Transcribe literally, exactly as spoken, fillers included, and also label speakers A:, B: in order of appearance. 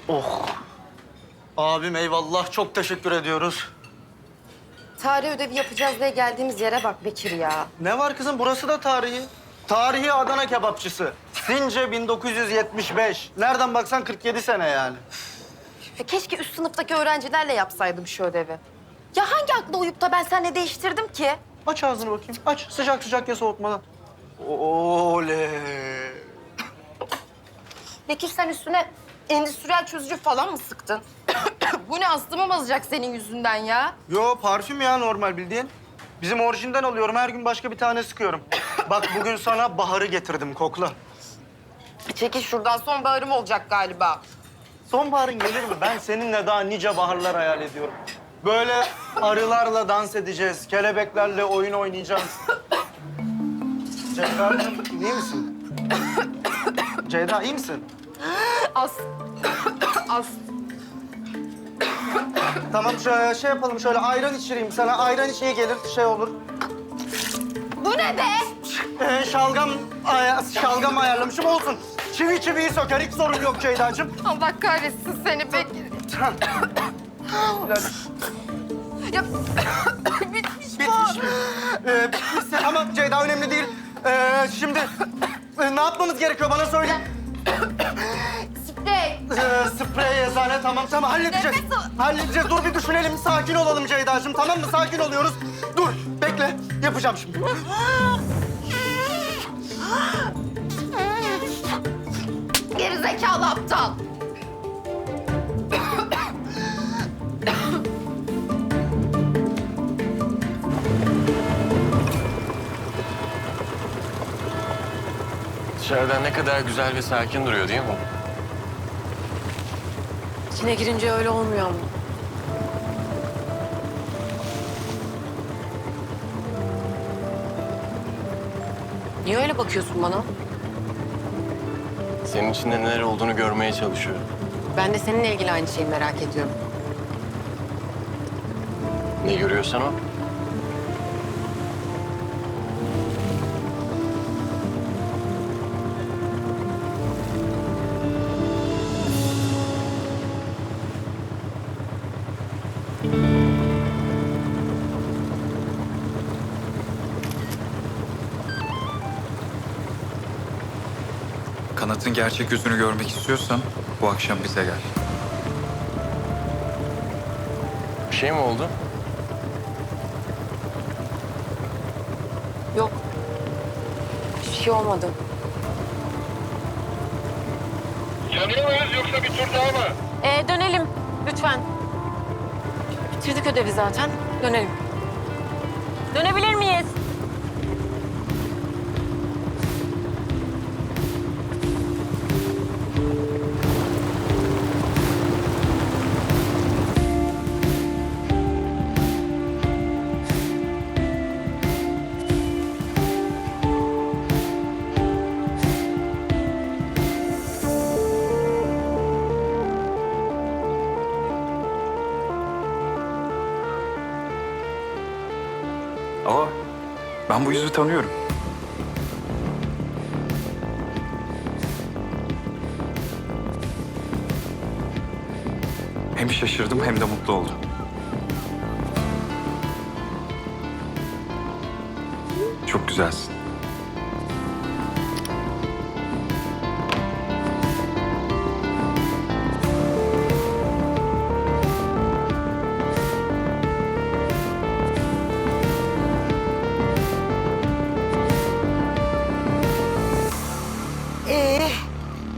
A: Oh. Abim eyvallah. Çok teşekkür ediyoruz.
B: Tarih ödevi yapacağız diye geldiğimiz yere bak Bekir ya.
A: Ne var kızım? Burası da tarihi. Tarihi Adana kebapçısı. Since bin dokuz yüz yetmiş beş. Nereden baksan kırk yedi sene yani.
B: Ya keşke üst sınıftaki öğrencilerle yapsaydım şu ödevi. Ya hangi akla uyup da ben seninle değiştirdim ki?
A: Aç ağzını bakayım. Aç. Sıcak sıcak ye soğutmadan. Oley.
B: Bekir sen üstüne endüstriyel çözücü falan mı sıktın? Bu ne astımı bozacak senin yüzünden ya?
A: Yo parfüm ya normal bildiğin. Bizim orijinden alıyorum. Her gün başka bir tane sıkıyorum. Bak bugün sana baharı getirdim. Kokla.
B: Çekil şuradan sonbaharım olacak galiba.
A: Sonbaharın gelir mi? Ben seninle daha nice baharlar hayal ediyorum. Böyle arılarla dans edeceğiz. Kelebeklerle oyun oynayacağız. Ceyda'cığım iyi misin? Ceyda iyi misin?
B: As... As...
A: Tamam şöyle şey yapalım şöyle ayran içireyim sana. Ayran iç iyi gelir şey olur.
B: Bu ne be?
A: Ee, şalgam, aya, şalgam ayarlamışım olsun. Çivi çiviyi söker hiç sorun yok Ceyda'cığım.
B: Allah kahretsin seni Bekir. Ya bitmiş bu.
A: Bitmiş mi? Ee, bitmişse ama Ceyda önemli değil. Ee, şimdi e, ne yapmamız gerekiyor bana söyle.
B: Sprey.
A: Ee, sprey eczane tamam tamam halledeceğiz.
B: Nefes al.
A: Halledeceğiz dur bir düşünelim sakin olalım Ceyda'cığım tamam mı? Sakin oluyoruz. Dur bekle yapacağım şimdi.
B: Gerizekalı aptal.
C: Dışarıdan ne kadar güzel ve sakin duruyor değil mi?
D: İçine girince öyle olmuyor ama. Niye öyle bakıyorsun bana?
C: Senin içinde neler olduğunu görmeye çalışıyorum.
D: Ben de seninle ilgili aynı şeyi merak ediyorum.
C: Ne görüyorsan o.
E: Kanat'ın gerçek yüzünü görmek istiyorsan bu akşam bize gel.
C: Bir şey mi oldu?
D: Yok. Hiçbir şey olmadı.
F: Yanıyor muyuz yoksa bir tur daha mı?
D: Ee, dönelim lütfen. Bitirdik ödevi zaten. Dönelim. Dönebilir miyiz?
E: Aa, ben bu yüzü tanıyorum. Hem şaşırdım hem de mutlu oldum. Çok güzelsin.